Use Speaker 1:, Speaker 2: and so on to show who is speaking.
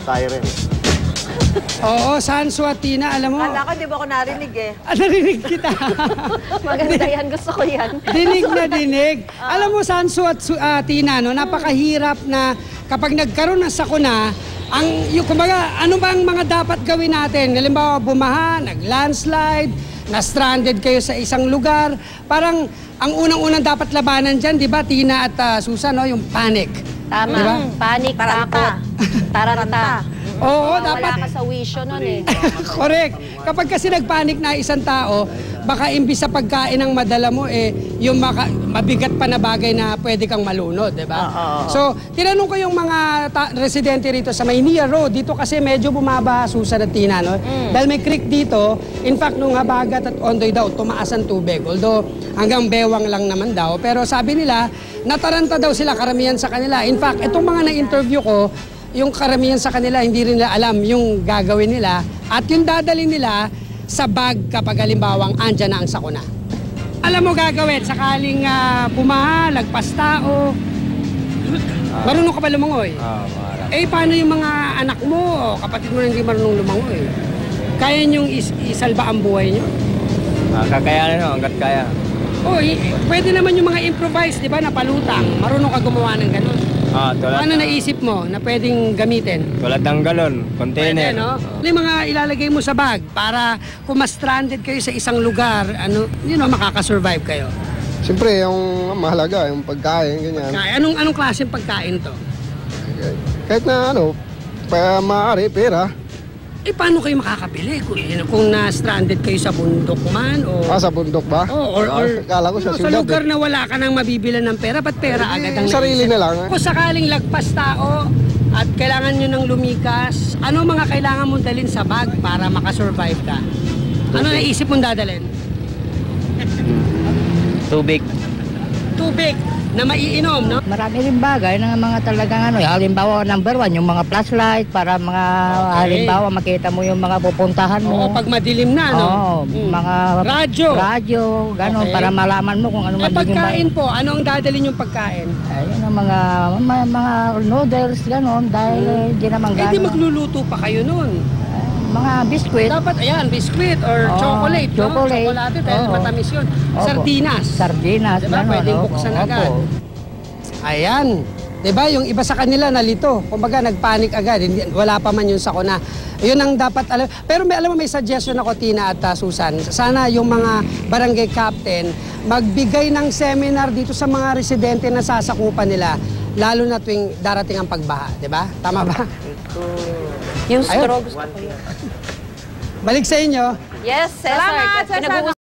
Speaker 1: siren.
Speaker 2: Oo, Sansu at Tina, alam mo.
Speaker 3: Kala ko, di ba ako narinig eh.
Speaker 2: Narinig kita.
Speaker 4: Maganda yan, gusto ko yan.
Speaker 2: Dinig na dinig. Alam mo, Sansu at Tina, no, napakahirap na kapag nagkaroon ng sakuna, kumbaga, ano ba ang mga dapat gawin natin? Halimbawa, bumaha, nag-landslide, na-stranded kayo sa isang lugar. Parang, ang unang-unang dapat labanan dyan, di ba, Tina at Susan, no, yung panic.
Speaker 4: Tama.
Speaker 2: Diba?
Speaker 4: Panic, takot, taranta.
Speaker 2: Oo,
Speaker 4: Wala
Speaker 2: dapat.
Speaker 4: ka sa wisyo nun eh.
Speaker 2: Correct. Kapag kasi nagpanik na isang tao, baka imbis sa pagkain ng madala mo, yung mabigat pa na bagay na pwede kang malunod, di ba? So, tinanong ko yung mga residente rito sa Maynila Road. Dito kasi medyo bumaba, Susan at Tina, no? Dahil may creek dito, in fact, nung Habagat at Ondoy daw, tumaas ang tubig. Although, hanggang bewang lang naman daw. Pero sabi nila, nataranta daw sila, karamihan sa kanila. In fact, itong mga na-interview ko, yung karamihan sa kanila, hindi rin nila alam yung gagawin nila at yung dadalhin nila sa bag kapag halimbawang andyan na ang sakuna. Alam mo gagawin, sakaling bumaha, lagpas tao, marunong ka ba lumangoy? Paano yung mga anak mo o kapatid mo na hindi marunong lumangoy? Kaya niyong isalba ang buhay niyo?
Speaker 5: Kakayanan no, hanggat kaya.
Speaker 2: Pwede naman yung mga improvise, di ba, na palutang. Marunong ka gumawa ng ganun. Ano naisip mo na pwedeng gamitin?
Speaker 5: Tulad ng galon, container.
Speaker 2: Pwede, no? Ano yung mga ilalagay mo sa bag para kung ma-stranded kayo sa isang lugar, makakasurvive kayo?
Speaker 1: Siyempre, yung mahalaga, yung pagkain, ganyan.
Speaker 2: Anong klaseng pagkain to?
Speaker 1: Kahit na maaari, pera.
Speaker 2: Paano kayo makakabili? Kung na-stranded kayo sa bundok man?
Speaker 1: Sa bundok ba? Kala ko sa
Speaker 2: lugar na wala ka nang mabibilan ng pera, ba't pera agad ang
Speaker 1: sarili na lang.
Speaker 2: Kung sakaling lagpas tao at kailangan nyo ng lumikas, ano mga kailangan mong dalhin sa bag para makasurvive ka? Ano naisip mong dadalhin?
Speaker 5: Tubig.
Speaker 2: Tubig na maiinom, no?
Speaker 6: Marami rin bagay ng mga talagang halimbawa number 1, yung mga flashlight para mga halimbawa makita mo yung mga pupuntahan mo.
Speaker 2: Pag madilim na, no?
Speaker 6: Mga radyo, gano'n, para malaman mo kung ano magiging
Speaker 2: pagkain po, ano ang dadalhin yung pagkain?
Speaker 6: Ayun ang mga noodles, gano'n, dahil hindi naman gano'n.
Speaker 2: Hindi magluluto pa kayo nun.
Speaker 6: Mga biskwit.
Speaker 2: Dapat, biskwit or chocolate, no? Chocolate, dahil matamis yun. Sardinas, diba? Pwedeng buksan agad. Ayan. Diba, yung iba sa kanila nalito. Kumbaga, nagpanik agad. Wala pa man yung sakuna. Yun ang dapat alam. Pero alam mo, may suggestion ako, Tina at Susan. Sana yung mga barangay captain magbigay ng seminar dito sa mga residente na sasakupan nila, lalo na tuwing darating ang pagbaha. Diba? Tama ba?
Speaker 4: Yung straw gusto ko yun.
Speaker 2: Balik sa inyo.
Speaker 4: Yes, Cesar.
Speaker 3: Salamat, Cesar.